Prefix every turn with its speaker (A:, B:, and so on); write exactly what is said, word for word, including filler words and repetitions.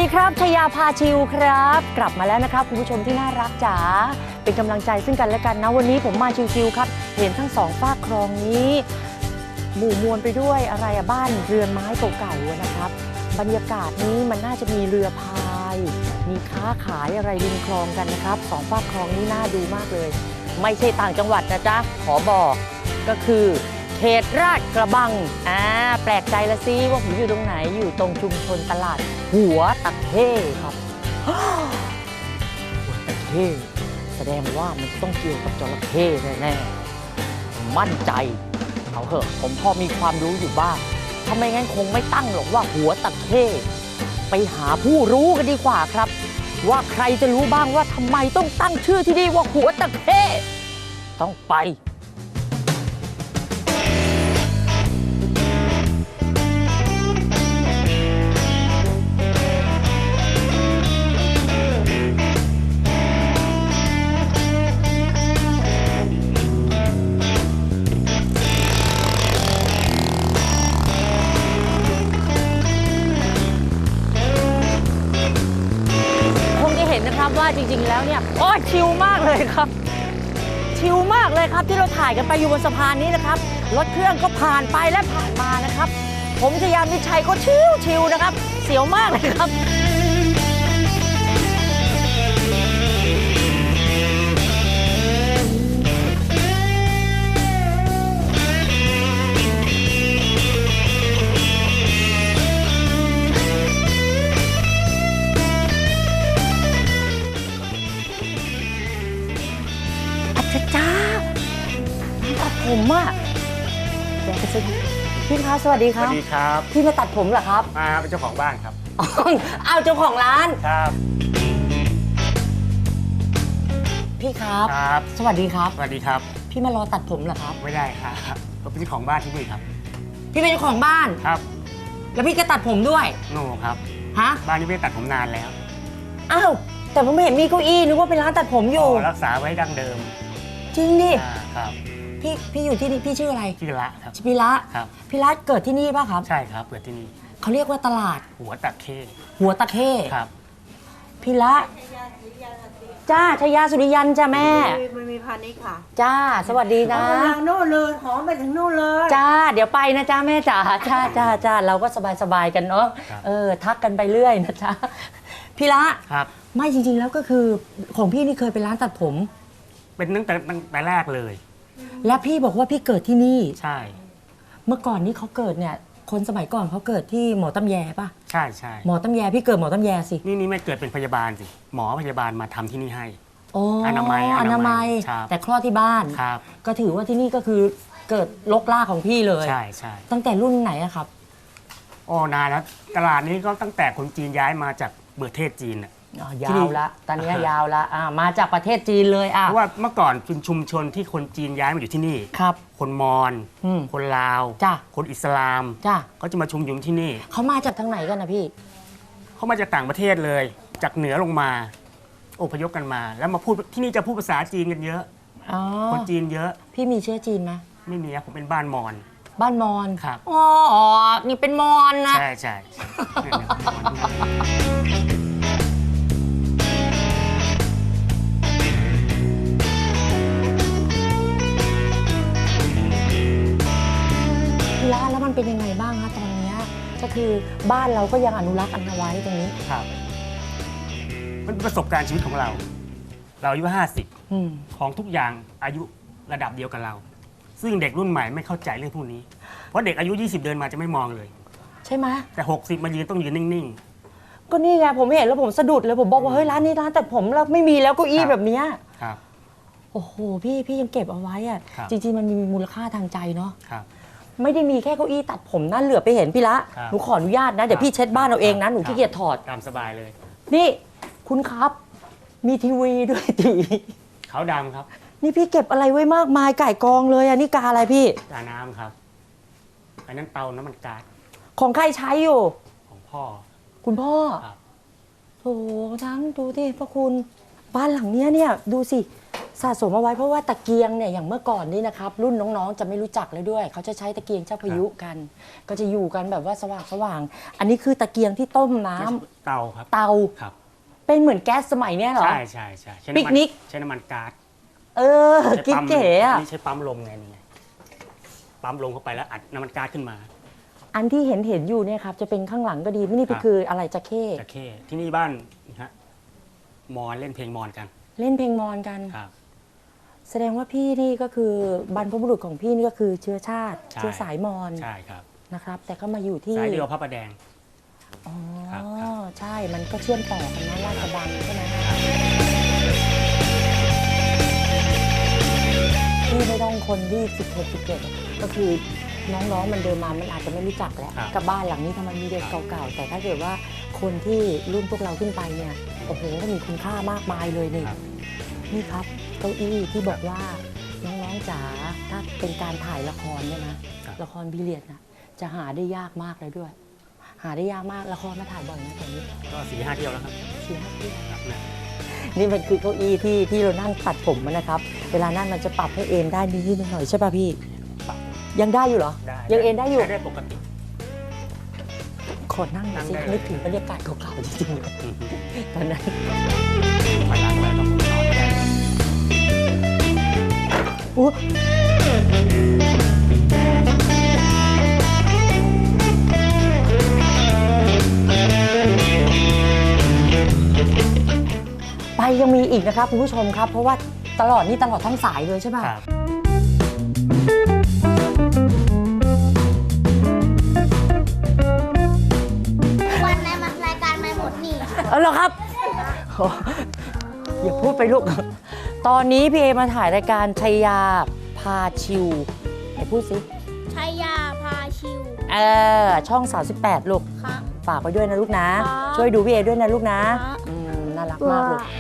A: ครับชยาพาชิวครับกลับมาแล้วนะครับคุณผู้ชมที่น่ารักจ๋าเป็นกำลังใจซึ่งกันและกันนะวันนี้ผมมาชิวๆครับเห็นทั้งสองฝากคลองนี้หมู่มวลไปด้วยอะไรอะบ้านเรือนไม้เก่าๆนะครับบรรยากาศนี้มันน่าจะมีเรือพายมีค้าขายอะไรริมคลองกันนะครับสองฝากคลองนี้น่าดูมากเลยไม่ใช่ต่างจังหวัดนะจ๊ะขอบอกก็คือเขตราชกระบังอ่าแปลกใจละสิว่าผมอยู่ตรงไหนอยู่ตรงชุมชนตลาดหัวตะเข้ครับ หัวตะเข้แสดงว่ามันต้องเกี่ยวกับจระเข้แน่ๆมั่นใจเอาเถอะผมพอมีความรู้อยู่บ้างถ้าไม่งั้นคงไม่ตั้งหรอกว่าหัวตะเข้ไปหาผู้รู้กันดีกว่าครับว่าใครจะรู้บ้างว่าทำไมต้องตั้งชื่อที่นี่ว่าหัวตะเข้ต้องไปนะครับว่าจริงๆแล้วเนี่ยโอ้ชิลมากเลยครับชิลมากเลยครับที่เราถ่ายกันไปอยู่บนสะพานนี้นะครับรถเครื่องก็ผ่านไปและผ่านมานะครับผมชยามิชัยก็ชิลชิลนะครับเสียวมากเลยครับจ้าตัดผมอ่ะเดี๋ยวไปซื้อพี่คะสวัสดีครับ
B: สวัสดีครับ
A: พี่มาตัดผมเหรอครับ
B: มาเป็นเจ้าของบ้านครับ
A: อ้าวเจ้าของร้าน
B: ครับ
A: พี่ครับ
B: ครับ
A: สวัสดีครับ
B: สวัสดีครับ
A: พี่มารอตัดผมเหรอครับ
B: ไม่ได้ครับผมเป็นเจ้าของบ้านที่นี่ครับ
A: พี่เป็นเจ้าของบ้าน
B: ครับ
A: แล้วพี่ก็ตัดผมด้วย
B: โน่ครับ
A: ฮะ
B: บ้านนี้ไม่ได้ตัดผมนานแล้ว
A: อ้าวแต่ผมไม่เห็นมีเก้าอี้นึกว่าเป็นร้านตัดผมอยู่
B: รักษาไว้ดั้งเดิม
A: จริงดิ
B: ครับ
A: พี่พี่อยู่ที่นี่พี่ชื่ออะไร
B: ชื่อละครับ
A: ชื่อพี่ละ
B: ครับ
A: พี่ละเกิดที่นี่ป่ะครับ
B: ใช่ครับเกิดที่นี่
A: เขาเรียกว่าตลาด
B: หัวตะเข้
A: หัวตะเข้
B: ครับ
A: พี่ละจ้าชยาสุริยันจ้าแม่
C: มันมีพาณิชย์ค่ะ
A: จ้าสวัสดีนะ
C: ทางโน่นเลยหอมไปถึงโน่นเลย
A: จ้าเดี๋ยวไปนะจ้าแม่จ๋าจ้าจ้าจ้าเราก็สบายสบายกันเนาะเออทักกันไปเรื่อยนะจ้าพี่ละ
B: ครับ
A: ไม่จริงๆแล้วก็คือของพี่นี่เคยเป็นร้านตัดผม
B: เป็นตั้งแต่ตั้งแต่แรกเลย
A: แล้วพี่บอกว่าพี่เกิดที่นี่
B: ใช่
A: เมื่อก่อนนี้เขาเกิดเนี่ยคนสมัยก่อนเขาเกิดที่หมอตำแยป่ะ
B: ใช่ใช่
A: หมอตำแยพี่เกิดหมอตำแยสิ
B: นี่นี่ไม่เกิดเป็นพยาบาลสิหมอพยาบาลมาทำที่นี่ให้
A: อนามัยอนามัยแต่คลอดที่บ้าน
B: ครับ
A: ก็ถือว่าที่นี่ก็คือเกิดลกล่าของพี่เลย
B: ใช่ใช่
A: ตั้งแต่รุ่นไหนอะครับ
B: โอ้นานแล้วตลาดนี้ก็ตั้งแต่คนจีนย้ายมาจากประเทศจีนอะ
A: ยาวละตอนนี้ยาวละมาจากประเทศจีนเลยอ่ะ
B: เพราะว่าเมื่อก่อนเป็นชุมชนที่คนจีนย้ายมาอยู่ที่นี่
A: ครับ
B: คนมอญคนลาว
A: จ้ะ
B: คนอิสลาม
A: จ้ะ
B: เขาจะมาชุมนุมที่นี่
A: เขามาจากทางไหนกันนะพี่
B: เขามาจากต่างประเทศเลยจากเหนือลงมาอพยพกันมาแล้วมาพูดที่นี่จะพูดภาษาจีนกันเยอะคนจีนเยอะ
A: พี่มีเชื้อจีนไหม
B: ไม่มีผมเป็นบ้านมอญ
A: บ้านมอญ
B: ครับ
A: อ๋อนี่เป็นมอญนะ
B: ใช่ใช่
A: แล้วมันเป็นยังไงบ้างคะตอนนี้ก็คือบ้านเราก็ยังอนุรักษ์เอาไว้ตรงนี้
B: ครับมันเป็นประสบการณ์ชีวิตของเราเราอายุห้าสิบของทุกอย่างอายุระดับเดียวกับเราซึ่งเด็กรุ่นใหม่ไม่เข้าใจเรื่องพวกนี้เพราะเด็กอายุยี่สิบเดินมาจะไม่มองเลย
A: ใช่ไหม
B: แต่หกสิบมายืนต้องยืนนิ่ง
A: ๆก็นี่ไงผมเห็นแล้วผมสะดุดเลยผมบอกว่าเฮ้ยร้านนี้ร้านแต่ผมเราไม่มีแล้วเก้าอี้แบบนี้
B: ครับ
A: โอ้โหพี่พี่ยังเก็บเอาไว้อะจริงๆมันมีมูลค่าทางใจเนาะไม่ได้มีแค่เก้าอี้ตัดผมนั่นเหลือไปเห็นพี่ละหนูขออนุญาตนะเดี๋ยวพี่เช็ดบ้านเอาเองนะหนูขี้เกียจถอด
B: ตามสบายเลย
A: นี่คุณครับมีทีวีด้วยทีวี
B: ขาวดำครับ
A: นี่พี่เก็บอะไรไว้มากมายไก่กองเลยอ่ะนี่กาอะไรพี่
B: กาน้ำครับอันนั้นเตาน้ำมันก๊าซ
A: ของใครใช้อยู่
B: ของพ่อ
A: คุณพ่อโถทั้งดูที่พระคุณบ้านหลังเนี้ยเนี่ยดูสิสะสมเอาไว้เพราะว่าตะเกียงเนี่ยอย่างเมื่อก่อนนี่นะครับรุ่นน้องๆจะไม่รู้จักเลยด้วย เขาจะใช้ตะเกียงเจ้าพายุกัน ก็จะอยู่กันแบบว่าสว่างสว่างๆอันนี้คือตะเกียงที่ต้มน้ำ
B: เตาครับ
A: เตา
B: ครับ
A: เป็นเหมือนแก๊สสมัยเนี้ยเหรอ
B: ใช่ใช่ใช่ใช้
A: ปิกนิก
B: ใช้น้ำมันก๊าซ
A: เออ
B: ใช้
A: กิ๊บ
B: ปั๊ม
A: เก๋อะ
B: นี่ใช้ปั๊มลมไงนี่ไงปั๊มลมเข้าไปแล้วอัดน้ำมันก๊าซขึ้นมา
A: อันที่เห็นเห็นอยู่เนี่ยครับจะเป็นข้างหลังก็ดีนี่
B: ครับ
A: คืออะไรจะเข้
B: จะเข้ที่นี่บ้านนะฮะมอนเล่นเพลงมอนกัน
A: เล่นเพลงมอญกัน
B: ครับ
A: แสดงว่าพี่นี่ก็คือบรรพบุรุษของพี่นี่ก็คือเชื้อชาติ
B: ใช่
A: เชื้อสายมอญ
B: ใช่ครับ
A: นะครับ แต่ก็มาอยู่ที่
B: สายเดียวพระประแดง
A: อ๋อ
B: ครับครับ
A: ใช่มันก็เชื่อมต่อกันนะราชบังใช่ไหมพี่ไม่ต้องคนที่สิบหก สิบเจ็ดก็คือน้องๆมันเดินมามันอาจจะไม่รู้จักแล้ว
B: ครับ
A: กับบ้านหลังนี้ทำไมมีเด็กเก่าๆแต่ถ้าเกิดว่าคนที่รุ่นพวกเราขึ้นไปเนี่ยโอ้โหก็มีคุณค่ามากมายเลยนี่
B: ครับ
A: นี่ครับเก้าอี้ที่บอกว่าน้องๆจ๋าถ้าเป็นการถ่ายละครเนี่ยนะครับ ละครพีเรียดนะจะหาได้ยากมากเลยด้วย หาได้ยากมากละครมาถ่ายบ่อยนะตอนนี้
B: ก็สี่ห้าเที่ยวแล้วครับ
A: สี่ห้าที่
B: ครับนะ
A: นี่มันคือเก้าอี้ที่ที่เรานั่งตัดผมมันนะครับ เวลานั่งมันจะปรับให้เอนได้นิดๆหน่อยๆใช่ป่ะพี่
B: ปรับ
A: ยังได้อยู่เหรอ
B: ได้
A: ยังเอนได้อยู่
B: ใช้ได้ปกติ
A: ขอนั่งหน่อยสิ
B: นั่งได้เลย
A: นึกถึงบรรยากาศเก่าๆจริงๆเลย
B: อือฮึ
A: ตอนนั้น
B: ถอยหลังไปต้องนอนได้
A: อู้ไปยังมีอีกนะครับคุณผู้ชมครับ เพราะว่าตลอดนี่ตลอดทั้งสายเลยใช่ไหม
B: ครับ
D: วันในมารายการไม่หมดหนี่
A: เออเหรอครับโอ้อย่าพูดไปลูก ตอนนี้พี่เอมาถ่ายรายการชัยยาพาชิวไหนพูดสิ
D: ชัยยาพาชิว
A: เออช่อง สามสิบแปด ลูก
D: ครับ
A: ฝากไปด้วยนะลูกนะ
D: ครับ
A: ช่วยดูพี่เอด้วยนะลูกนะครับ
D: บ
A: อืมน่ารักมากลูก